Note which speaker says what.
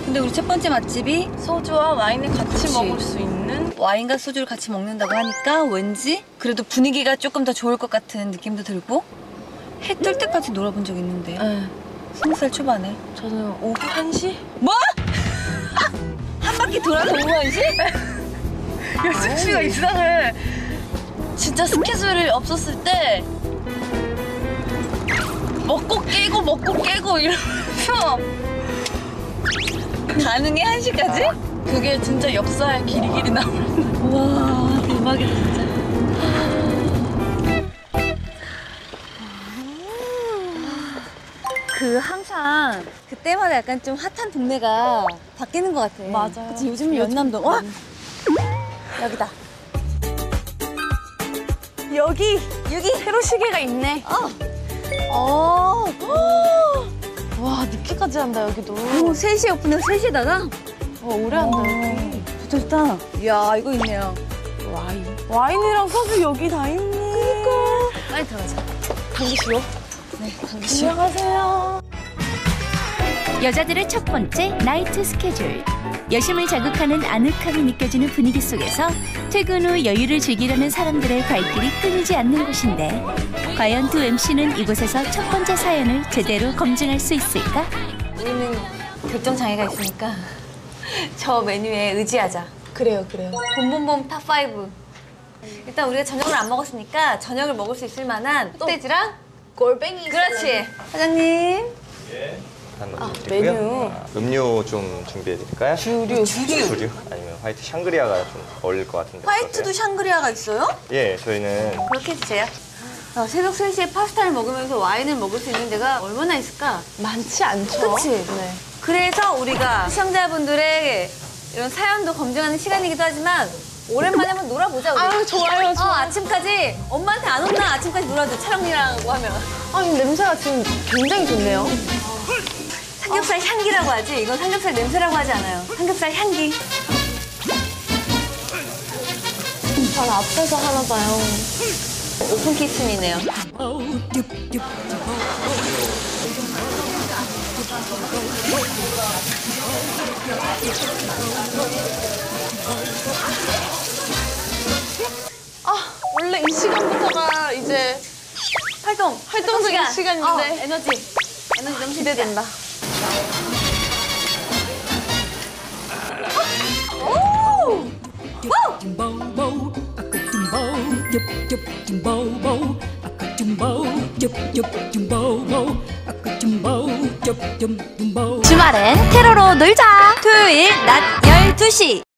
Speaker 1: 근데 우리 첫 번째 맛집이
Speaker 2: 소주와 와인을 같이
Speaker 1: 그치.
Speaker 2: 먹을 수 있는.
Speaker 1: 와인과 소주를 같이 먹는다고 하니까 왠지 그래도 분위기가 조금 더 좋을 것 같은 느낌도 들고 해 뜰 때까지 놀아본 적 있는데
Speaker 2: 네.
Speaker 1: 20살 초반에
Speaker 2: 저는 오후 1시?
Speaker 1: 뭐? 한 바퀴 돌아서 오후 1시?
Speaker 2: 여승 씨가 이상해. 진짜 스케줄이 없었을 때 먹고 깨고 이러면서
Speaker 1: 가능해 1시까지?
Speaker 2: 그게 진짜 역사의 길이 나오는.
Speaker 1: 와 대박이다 진짜. 항상 그때마다 약간 좀 핫한 동네가 바뀌는 것 같아.
Speaker 2: 맞아요.
Speaker 1: 그치, 요즘은 연남동. 와! 여기다. 여기
Speaker 2: 새로 시계가 있네.
Speaker 1: 어.
Speaker 2: 와, 늦게까지 한다 여기도.
Speaker 1: 3시에 오픈해서 3시에다가?
Speaker 2: 오래 한다 여기.
Speaker 1: 좋다 좋다. 이야 이거 있네요.
Speaker 2: 와인이랑 소주 여기 다 있네.
Speaker 1: 그니까. 빨리 들어가자.
Speaker 2: 당기시오.
Speaker 1: 네, 당기시오.
Speaker 2: 안녕하세요.
Speaker 3: 여자들의 첫 번째 나이트 스케줄. 여심을 자극하는 아늑함이 느껴지는 분위기 속에서 퇴근 후 여유를 즐기려는 사람들의 발길이 끊이지 않는 곳인데 과연 두 MC는 이곳에서 첫 번째 사연을 제대로 검증할 수 있을까?
Speaker 1: 우리는 결정 장애가 있으니까 저 메뉴에 의지하자.
Speaker 2: 그래요.
Speaker 1: 봄봄봄 탑5. 일단 우리가 저녁을 안 먹었으니까 저녁을 먹을 수 있을 만한 흑돼지랑
Speaker 2: 골뱅이.
Speaker 1: 그렇지. 사장님.
Speaker 2: 메뉴.
Speaker 4: 음료 좀 준비해드릴까요?
Speaker 2: 주류.
Speaker 4: 주류? 아니면 화이트 샹그리아가 좀 어울릴 것 같은데.
Speaker 1: 화이트도
Speaker 4: 어떠세요?
Speaker 1: 샹그리아가 있어요?
Speaker 4: 예, 저희는
Speaker 1: 그렇게 해주세요. 새벽 3시에 파스타를 먹으면서 와인을 먹을 수 있는 데가 얼마나 있을까?
Speaker 2: 많지 않죠?
Speaker 1: 그치?
Speaker 2: 네.
Speaker 1: 그래서 우리가 시청자분들의 이런 사연도 검증하는 시간이기도 하지만 오랜만에 한번 놀아보자 우리.
Speaker 2: 아유, 좋아요.
Speaker 1: 아침까지 엄마한테 안 혼나. 아침까지 놀아줘 촬영이라고 하면.
Speaker 2: 아니, 냄새가 지금 굉장히 좋네요.
Speaker 1: 삼겹살 향기라고 하지 이건 삼겹살 냄새라고 하지 않아요. 삼겹살 향기.
Speaker 2: 바로 앞에서 하나 봐요.
Speaker 1: 오픈 키친이네요.
Speaker 2: 원래 이 시간부터가 이제 활동적인 시간인데.
Speaker 1: 에너지 너무
Speaker 2: 기대된다.
Speaker 3: 주말엔 테러로 놀자.
Speaker 1: 토요일 낮 12시